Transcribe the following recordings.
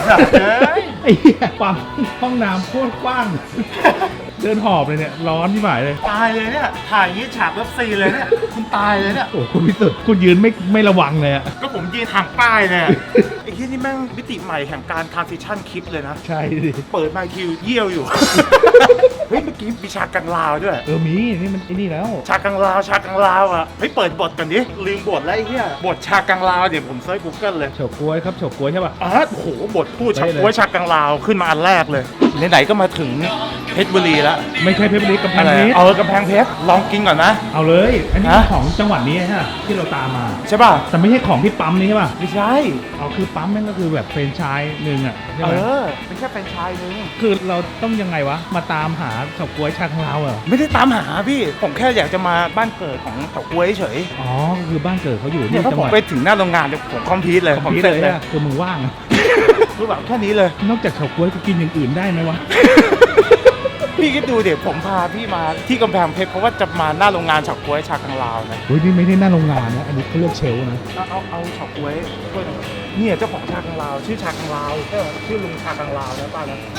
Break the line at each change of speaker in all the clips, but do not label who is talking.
ไอ้เหี้ยปั๊มห้องน้ำโคตรกว้างเดินหอบเลยเนี่ยร้อนที่หมายเลย
ตายเลยเนี่ยถ่ายอย่างนี้ฉากเลิฟซีนเลยเนี่ยคุณตายเลยเนี่ย
โอ้คุณพิสุทธิ์คุณยืนไม่ระวังเลยอะ
ก็ผมยืนห่างป้ายเนี่ยไอ้ที่นี่แม่งมิติใหม่แห่งการทรานซิชั่นคลิปเลยนะ
ใช่ดิ
เปิดมาคิวเยี่ยวอยู่ เฮ้ยเมื่อกี้มีฉากกังลาวด้วย
มีนี่มันไอ้นี่แล้ว
ฉากกังลาวอ่ะเฮ้ยเปิดบทกันดิลืมบทแล้วไอ้เหี้ยบทฉากกังลาวเดี๋ยวผมเซิร์ช Google เลย
เฉาก๊วยครับเฉาก๊วยใช่ป่ะ
โอ้โหบทพูดฉาก
ได้เลย
ว่าฉากกังลาวขึ้นมาอันแรกเลยไหนๆก็มาถึงเพชรบุรีแล้ว
ไม่ใช่เพชรบุรีกำแพง
อะไร
เพชร
กำแพงเพชรลองกินก่อนนะ
เอาเลย อันนี้
ฮะ
ของจังหวัดนี้ฮะที่เราตามมา
ใช่ป่ะ
แต่ไม่ใช่ของที่ปั๊มนี้ใช่ป่ะ
ไม่ใช่
เอาคือปั๊มนั่นก็คือแบบเฟรนไชส์หนึ่งอ่ะใช่ไหม
ไม่ใช่แฟรนไชส์นึง
คือเราต้องยังไงวะมาตามหาเฉาก๊วยชาของเราเหรอ
ไม่ได้ตามหาพี่ผมแค่อยากจะมาบ้านเกิดของเฉาก๊วยเฉย
อ๋อคือบ้านเกิดเขาอยู่
เนี่ย
ที่
ถ้า
จัง
ผ
ห
ม
วัด
ไปถึงหน้าโรงงานเดี๋ยวผมคอมพิวต์เลย
ผม
เสร็จ
เลย
เลย
อะคือมึงว่างอะ
คือแบบแค่นี้เลย
นอกจากเฉาก๊วยกูกินอย่างอื่นได้ไหมวะ
พี่คิดดูเดี๋ยวผมพาพี่มาที่กำแพงเพชรเพราะว่าจะมาหน้าโรงงานเฉาก๊วยชากังลาวนะ
เฮ้ยนี่ไม่ได้หน้าโรงงานนะอันนี้เขาเรียกเชลฟ์นะ
เอาเฉาก๊วยด้วยนะเนี่ยเจ้าของชากังลาวชื่อชากังลาวชื่อลุงชากังลาวนะป้านะ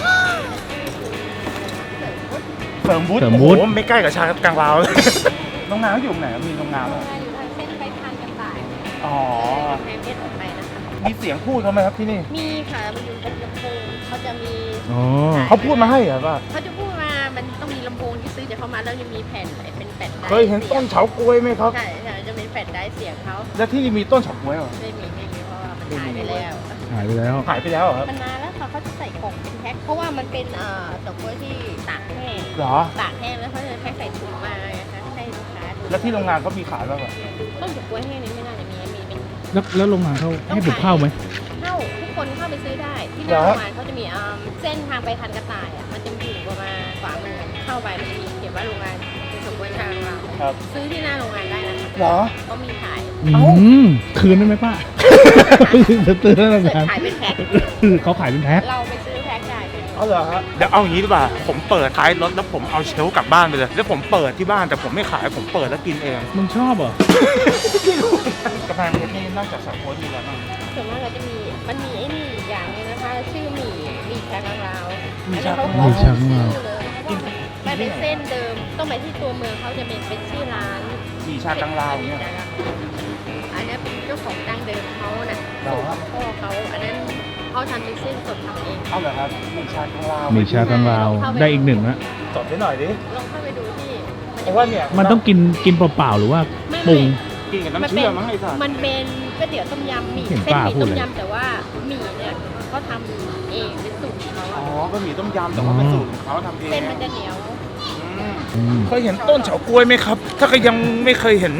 เสริมวุฒิโอ้โหไม่ใกล้กับชากังลาวเลย โรงงานเขาอยู่ไหนมีโรงงาน
โร
ไหม
งงานอยู่ทางเส้นไปทางกระต่าย
อ๋อ
แพงเพชรออกไปนะคะ
มีเสียงพูดเขาไหมครับที่นี่
มีค่ะมันอยู่ตรงลำโพงเขาจะมี
อ๋อ
เขาพูดมาให้เหรอป่ะ
เขาจะพูดมามันต้องมีลำโพงที่ซื้อจากเขามาแล้วจะมีแผ่นเป็นแผ่นได้
เคยเห็นต้นเฉาก๊วยไหมครับ
ใช่ใช่จะเป็นแผ่นได้เสียงเขา
แล้วที่นี่มีต้นเฉาก๊วยเหรอ
ไม่มีเพราะว่ามันหายไปแล้ว
หายไปแล้ว
หายไปแล้วเหรอครับ
มันนานแล้วค่ะเขาจะใส่กล่องเป็นแพ็คเพราะว่ามันเป็นดอกกล้วยที่ตากแห้ง
เหรอ
ตากแห้งแล้วเขาจะแพ็คใส่ถุงมานะคะให้ลูกค้าดู
แล้วที่โรงงานเขามีขายบ้างปะ
ต้นดอกกล้วยแห้งนี้ไม่น่าจะมีเป็น
แล้วโรงงานเขาให้ผมเข้าไหม
เข้าทุกคนเข้าไปซื้อได้ที่หน้าโรงงานเขาจะมีเส้นทางไปทันกระต่ายอ่ะมันจะอยู่ประมาณขวามือเข้าไปมันจะมีเขียนว่าโรงงานเป็นสมบูรณ์ทางเรา
ครับ
ซื้อที่หน้าโรงงานได้นะคะ
เหรอ
เขามีขาย
อืมคืนได้ไหมป้า จะตื่นแล้ว
เกิด
กัน
ขายเป็นแพ็ค
เขาขายเป็นแพ็ค
เราไปซื้อแพ็คได้ค่ะ
เอาเหรอฮะเดี๋ยวเอาอย่างนี้ดีกว่าผมเปิดท้ายรถแล้วผมเอาเชลฟ์กลับบ้านไปเลยแล้วผมเปิดที่บ้านแต่ผมไม่ขายผมเปิดแล้วกินเอง
มึงชอบเหรอ
กาแฟเพชรนี่นอกจากสาโค้ดมีอะไรบ้าง
ส่วนมากเราจะมีมันมีไอ้นี่อีกอย่างหนึงนะคะชื่อหมี่ชากังลาว
หมี่ชากัง
หมี่ชากังลาว
มันเป็นเส้นเดิมต้องไปที่ตัวเมืองเขาจะเป็นชื่อร้าน
มีชากังลาวเนี่ย
อันนี้เป็นเจ้าของดั้งเดิมเขาน่ะ
เหรอ
พ่อเขาอันนั้นเขาทำเป็นเส้นสดทำเอง
เอาเหรอครับมีชากังลาว
มีชากังลาวได้อีกหนึ่งละ
สดให้หน่อยดิ
ลองเข้าไปดูที่
เพราะว่าเนี่ย
มันต้องกินเปล่าๆหรือว่าปรุง
กินกับน้ำเชื่อมมั้งไอ้สัส
มันเป็นก๋วยเตี๋ยวต้มยำหมี่
เห็น
เส้น
ป้า
หมี่
พูด
ต้ม
เลย
ยำแต่ว่าหมี่เนี่ยเขาทำเองเป็นสูตรของเขา
อ๋อ
อะ
ก็มีต้มยำแต่ว่าเป็นสูตรของเขาทำเอง
เส้นมันจะเหนียว
อืม
เคยเห็นต้นเฉาก๊วยไหมครับ ถ้าใครยังไม่เคยเห็น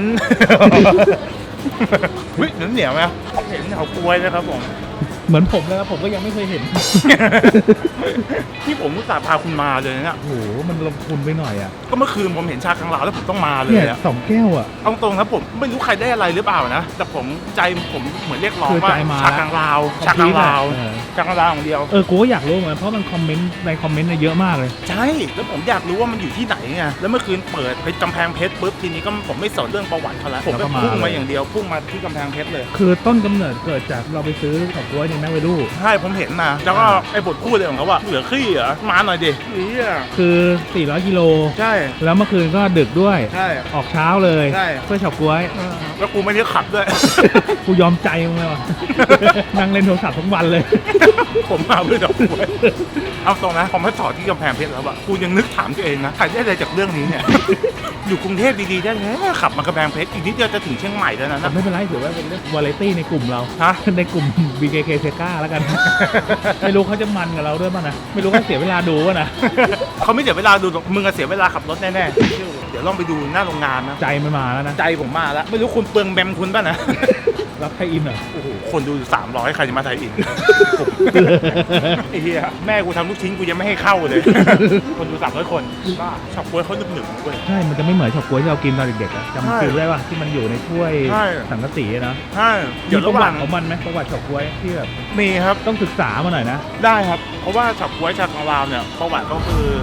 เฮ้ยเหนียวไหมเห็นเฉาก๊วยนะครับผม
เหมือนผมเลยครับผมก็ยังไม่เคยเห็น
ที่ผมอุตส่าห์พาคุณมาเลยนะ
โอ้โหมันลงทุนไปหน่อยอ่ะ
ก็เมื่อคืนผมเห็นชากังลาวแล้วผมต้องมาเลย
เนี่ย
อะ
2 แก้วอ่ะ
เอาตรงนะผมไม่รู้ใครได้อะไรหรือเปล่านะ แต่ผมใจผมเหมือนเรียกร้อง
คือ
ว่า
ใจมา
ชากังลาวชากังลาว
เออ
ชากังลาวอย่างเดียว
กูก็อยากรู้เหมือนกันเพราะมันคอมเมนต์ในคอมเมนต์เยอะมากเลย
ใช่ แล้วผมอยากรู้ว่ามันอยู่ที่ไหนไง แล้วเมื่อคืนเปิดไปกำแพงเพชรปุ๊บทีนี้ก็ผมไม่สนเรื่องประวัติเขาแล้วผม
แล้วก็
ก็
มา
พุ่ง
เล
มาย อย่างเดียวพุ่งมาที่กำแพงเพชรเลย
คือต้นกำเนิดเกิดจากเราไปซื้อเฉาก๊วยในแมคเวลู
ใช่ผมเห็นนะแล้วก็ไอ้บทพูดเลยของเขาว่าเหลือขี้เหรอมาหน่อยดินี่อ่ะ
คือ400 กิโล
ใช่
แล้วเมื่อคืนก็ดึกด้วย
ใช่
ออกเช้าเลย
ใช่
เพื่อเฉาก๊วย
แล้วกูไม่ได้ขับด้วย
กูยอมใจมึงเลยว่ะ นั่งเล่นโทรศัพท์ทั้งวันเลย
ผมมาเพื่อดอกบัวเอาตรงนะผมมาจอดที่กำแพงเพชรแล้วอะกูยังนึกถามตัวเองนะใครได้อะไรจากเรื่องนี้เนี่ย อยู่กรุงเทพดีๆได้แล้วขับมากำแพงเพชรอีกนิดเดียวจะถึงเชียงใหม่แล้วนะ
แต่ไม่เป็นไรถือว่าเป็นเรื่องวาไรตี้ในกลุ่มเรา
ฮะ
ในกลุ่ม BKK s e g a แล้วกัน ไม่รู้เขาจะมันกับเราด้วยป่ะนะ ไม่รู้เขาเสียเวลาดูป่ะนะ
เขาไม่เสียเวลาดูหรอกมึงอะเสียเวลาขับรถแน่ๆเดี๋ยวลองไปดูหน้าโรงงานนะ
ใจมันมาแล้วนะ
ใจผมมาแล้ว ไม่รู้คุณเปลืองแบมคุณป่ะนะ
รับไทยอินเหรอ
โอ้โหคนดูอยู่300ใครจะมาไทยอิน ไอ้เหี้ยแม่กูทำลูกชิ้นกูยังไม่ให้เข้าเลย คนดู300คนบ้าช็อปกล้วยเขาหนึบๆเว้ย
ใช่ มันจะไม่เหมือนเฉาก๊วยที่เรากินตอนเด็กๆอะ
ใช่
จำฟิลได้ป่ะที่มันอยู่ในถ้วย
ใช่
สังกะสีอะนะ
ใช่เดี๋ยว
มีประ
ระห
วั
ว่าง
ติของมันไหมประวัติเฉาก๊วยที่แบบ
มีครับ
ต้องศึกษามาหน่อยนะ
ได้ครับ เพราะว่าช็อปกล้วยชากังลาวเนี่ยประวัติก็คือ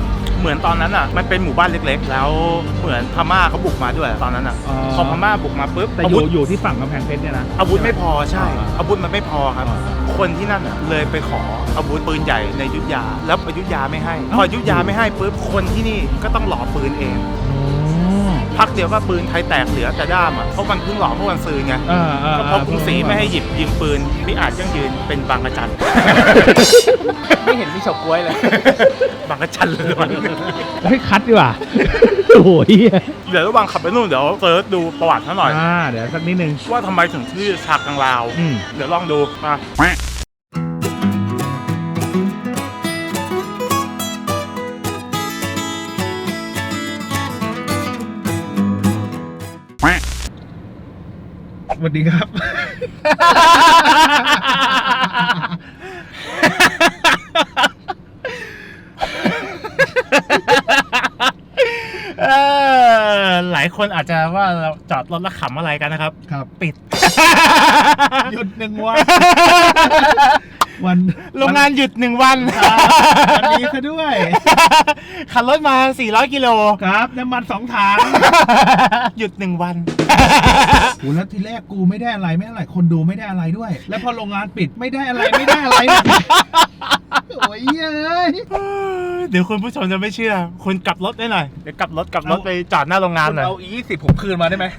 เหมือนตอนนั้นอ่ะมันเป็นหมู่บ้านเล็กๆ แล้วเหมือนพม่าเขาบุกมาด้วยตอนนั้นอ่ะพอพม่าบุกมาปุ๊บ
แต่
อา
อ
วุ
ยู่
ธ
อยู่ที่ฝั่งกำแพงเพชรเนี่ยนะ
อาวุธไม่พอใช่
อ่า
อาวุธมันไม่พอครับ
อ่า
คนที่นั่นอ่ะเลยไปขออาวุธปืนใหญ่ในอยุธยา แล้วอยุธยาไม่ให้พออยุธยาไม่ให้ปุ๊บคนที่นี่ก็ต้องหล่อปืนเอง พักเดียวก็ปืนไทยแตกเหลือแต่ด้ามอ่ะเพราะมันเพิ่งหล่อเมื่อวันซืนไงก็เพราะกรุงศรีไม่ให้หยิบยิงปืนพี่อาจยังยืนเป็นบางกระจัน
ไม่เห็นมีเฉาก๊วยเลย
บางกระจันเลยวันนี้
เฮ้ยคัดดีกว่า โอ้โหเหี้ย
เดี๋ยวระหว่างขับไปนู่นเดี๋ยวเซิร์ชดูประวัติเขาหน่อย
เดี๋ยวสักนิดนึง
ว่าทำไมถึงชื่อชากลางลาว เดี๋ยวลองดูมา
สวัสดีครับ
หลายคนอาจจะว่าเราจอดรถแล้วขำอะไรกันนะครับ
ครับ
ปิด
หยุด1 วัน วัน
โรงงานหยุด1 วัน
วันนี้ซะด้วย
ขับรถมา400 กิโล
ครับน้ำมัน2 ถัง
หยุด1 วัน
โหแล้วทีแรกกูไม่ได้อะไรไม่อะไรคนดูไม่ได้อะไรด้วย แล้วพอโรงงานปิดไม่ได้อะไรไม่ได้อะไรเนี่ยโอ้ยเอ้ย
เดี๋ยวคุณผู้ชมจะไม่เชื่อ คุณกลับรถได้หน่อย เดี๋ยวกลับรถไปจอดหน้าโรงงานหน่อย
เอาอี20ผมคืนมาได้ไหม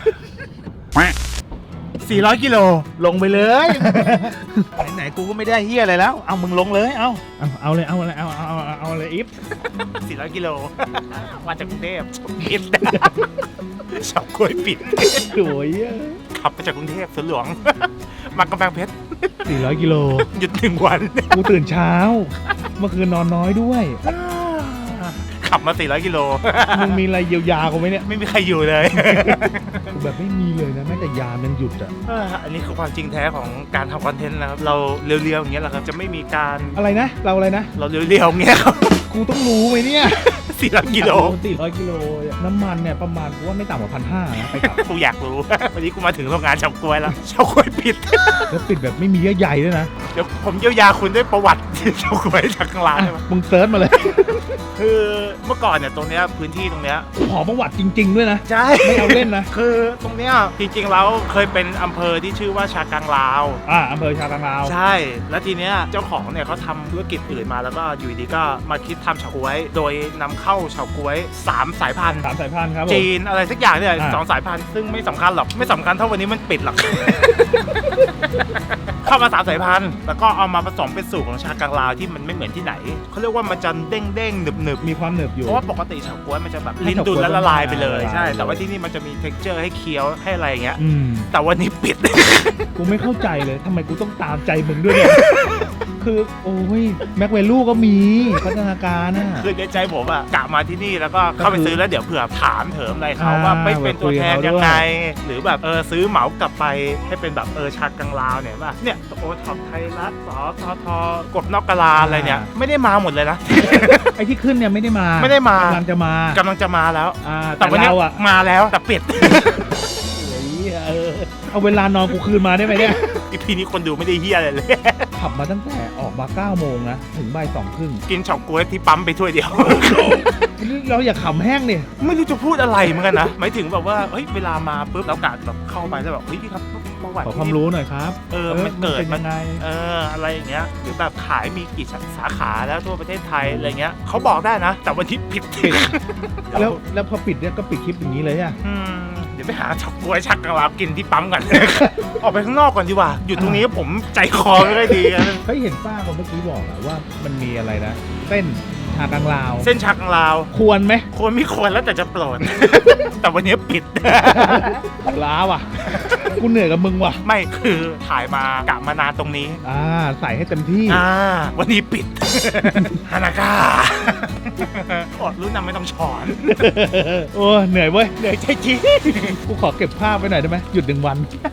400 กิโล
ลงไปเลย
ไหนๆกูก็ไม่ได้เฮียอะไรแล้ว เอามึงลงเลยเอา
เอาเลยเอาเลยเอาเลยอิฟ
400 กิโล มาจากกรุงเทพปิด ชอบกล้วยปิด
โอ้ย
ขับมาจากกรุงเทพสวนหลวง มากำแพงเพชร
400 กิโล
หยุด1 วัน
กูตื่นเช้า เมื่อคืนนอนน้อยด้วย
ขับมา400 กิโล
มึงมีอะไรเยียวยากูไหมเนี่ย
ไม่มีใครอยู่เลย
กูแบบไม่มีเลยนะแม้แต่ยามันหยุดอ่ะ
อันนี้คือความจริงแท้ของการทำคอนเทนต์นะครับ เราเรียวๆอย่างเงี้ยแหละครับ จะไม่มีการ
อะไรนะ เราอะไรนะ
เราเรียวๆอย่างเงี้ยครับ
กูต้องรู้ไหมเนี่ย
400 กิโล
400 กิโล น้ำมันเนี่ยประมาณกูว่าไม่ต่ำกว่า1,500นะไปกลับ
กูอยากรู้ วันนี้กูมาถึงโรงงานเฉาก๊วยแล้วเฉาก๊วยปิด
แล้วปิดแบบไม่มีเยื่อใยด้วยนะ
เดี๋ยวผมเยียวยาคุณด้วยประวัติ เฉาก๊วยจากข้างล่างได้ไหม
มึงเซิร์ชมาเลย
คือเมื่อก่อนเนี่ยตรงเนี้ยพื้นที่ตรงเนี้ย
ขอประวัติจริง ๆ ด้วยนะ
ใช่
ไม่เอาเล่นนะ
คือตรงเนี้ยจริงๆแล้วเคยเป็นอำเภอที่ชื่อว่าชากังลาว
อำเภอชาตังลาว
ใช่ แล้วทีเนี้ยเจ้าของเนี่ยเขาทำธุรกิจอื่นมาแล้วก็อยู่ดีก็มาคิดทำเฉาก๊วย โดยนำเข้าเฉาก๊วย3 สายพันธุ์
3 สายพันธุ์ครับผม
จีนอะไรสักอย่างเนี่ย
อ่า
2 สายพันธุ์ซึ่งไม่สำคัญหรอกไม่สำคัญเท่าวันนี้มันปิดหรอก เข้ามา3 สายพันธุ์แล้วก็เอามาผสมเป็นสูตรของชากังลาวที่มันไม่เหมือนที่ไหนเขาเรียกว่ามันจะเด้งๆหนึบๆ
มีความหนึบอยู่
เพราะว่าปกติเฉาก๊วยมันจะแบบ
ให้
ลิ้น
เฉาก๊วย
ดุลแล้วละลายไปเลย
ละลาย
ใช่
เลย
แต่ว่าที่นี่มันจะมี texture ให้เคี้ยวให้อะไรอย่างเงี้ย
อืม
แต่วันนี้ปิด
กูไม่เข้าใจเลยทำไมกูต้องตามใจมึงด้วยเนี่ย คือโอ้ยแม็กเวลูก็มีพัฒนาการน่ะ
คือในใจผมอะกะมาที่นี่แล้วก็เข้าไปซื้อแล้วเดี๋ยวเผื่อถามเถิมอะไรเขา
อ่า
ว่าไม่เป็นตัวแทน
คุยกับเขาด้วย
ยังไง หรือแบบซื้อเหมากลับไปให้เป็นแบบชากังลาวเนี่ยว่าเนี่ยโอท็อปไทยรัฐสททกบนอกกะลาอะไรเนี่ยไม่ได้มาหมดเลยนะ
ไอ้ที่ขึ้นเนี่ยไม่ได้มา
ไม่ได้มา
กำลังจะมา
กำลังจะมาแล้ว
แต่
วันนี้
เราอ่ะ
มาแล้วแต่ปิด
โอ้ยเอาเวลานอนกูคืนมาได้ไหมเนี่ย
อีพีนี้คนดูไม่ได้เฮียอะไรเลย
ขับมาตั้งแต่ออกมา9 โมงนะถึงบ่าย 2 ครึ่ง
กินเฉาก๊วยที่ปั๊มไปถ้วยเดียว
เราอย่าขำแห้งเนี่ย
ไม่รู้จะพูดอะไรเหมือนกันนะหมายถึงแบบว่าเฮ้ยเวลามาปุ๊บเรากะแบบเข้าไปแล้วแบบเฮ้ยพี่ครับประวัติ
ขอความรู้หน่อยครับ
มันเกิด
เป็น
มั
ยั
น
งไง
อะไรอย่างเงี้ยหรือแบบขายมีกี่สาขาแล้วทั่วประเทศไทยอะไรเงี้ยเขาบอกได้นะ แต่วันที่ผิด
แล้วพอปิดเนี่ยก็ปิดคลิปอย่างนี้เลยอ่ะ
เดี๋ยวไปหาเฉาก๊วยชักกะลากินที่ปั๊มกัน ออกไปข้างนอกก่อนดีกว่าอยู่ตรงนี้ผมใจคอไม่ได้ดีกัน
เฮ้ยเห็นป้าคนเมื่อกี้บอกอะว่ามันมีอะไรนะเส้นชากังลาว
เส้นชักกะลาว
ควรไหม
ควรไม่ควรแล้วแต่จะโปรด แต่วันนี้ปิด
ล้าว่ะ กูเหนื่อยกับมึงว่ะ
ไม่คือถ่ายมากะมานานตรงนี้
ใส่ให้เต็มที่
วันนี้ปิด ฮานาก้า อดรู้นำไม่ต้องช้อน
โอ้เหนื่อยเว้ย
เหนื่อยใจจริง
กูขอเก็บภาพไว้หน่อยได้ไหมหยุด1 วัน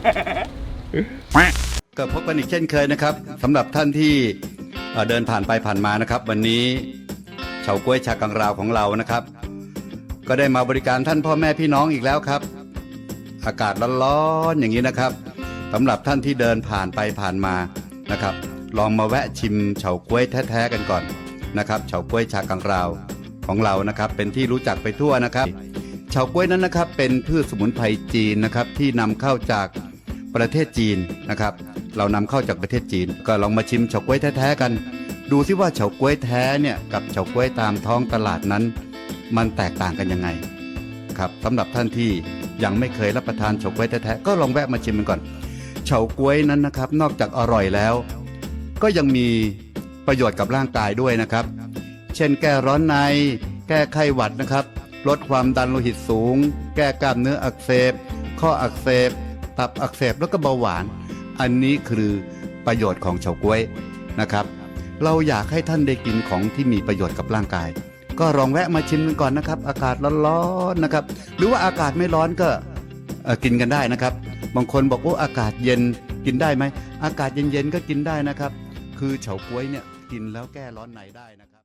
ก็พบกันอีกเช่นเคยนะครับสำหรับท่านที่เดินผ่านไปผ่านมานะครับ วันนี้เฉาก๊วยชากังราวของเรานะครับ ก็ได้มาบริการท่านพ่อแม่พี่น้องอีกแล้วครับ อากาศร้อนๆอย่างนี้นะครับสำหรับท่านที่เดินผ่านไปผ่านมานะครับ ลองมาแวะชิมเฉาก๊วยแท้ๆกันก่อนนะครับเฉาก๊วยชากังราวของเรานะครับเป็นที่รู้จักไปทั่วนะครับเฉาก๊วยนั้นนะครับเป็นพืชสมุนไพรจีนนะครับที่นำเข้าจากประเทศจีนนะครับเรานำเข้าจากประเทศจีนก็ลองมาชิมเฉาก๊วยแท้ๆกันดูซิว่าเฉาก๊วยแท้เนี่ยกับเฉาก๊วยตามท้องตลาดนั้นมันแตกต่างกันยังไงครับสำหรับท่านที่ยังไม่เคยรับประทานเฉาก๊วยแท้ๆก็ลองแวะมาชิมกันก่อนเฉาก๊วยนั้นนะครับนอกจากอร่อยแล้วก็ยังมีประโยชน์กับร่างกายด้วยนะครับเช่นแก้ร้อนในแก้ไข้หวัดนะครับลดความดันโลหิตสูงแก้กล้ามเนื้ออักเสบข้ออักเสบตับอักเสบแล้วก็เบาหวานอันนี้คือประโยชน์ของเฉาก๊วยนะครับเราอยากให้ท่านได้กินของที่มีประโยชน์กับร่างกายก็ลองแวะมาชิมกันก่อนนะครับอากาศร้อนๆนะครับหรือว่าอากาศไม่ร้อนก็กินกันได้นะครับบางคนบอกว่าอากาศเย็นกินได้ไหมอากาศเย็นๆก็กินได้นะครับคือเฉาก๊วยเนี่ยกินแล้วแก้ร้อนในได้นะครับ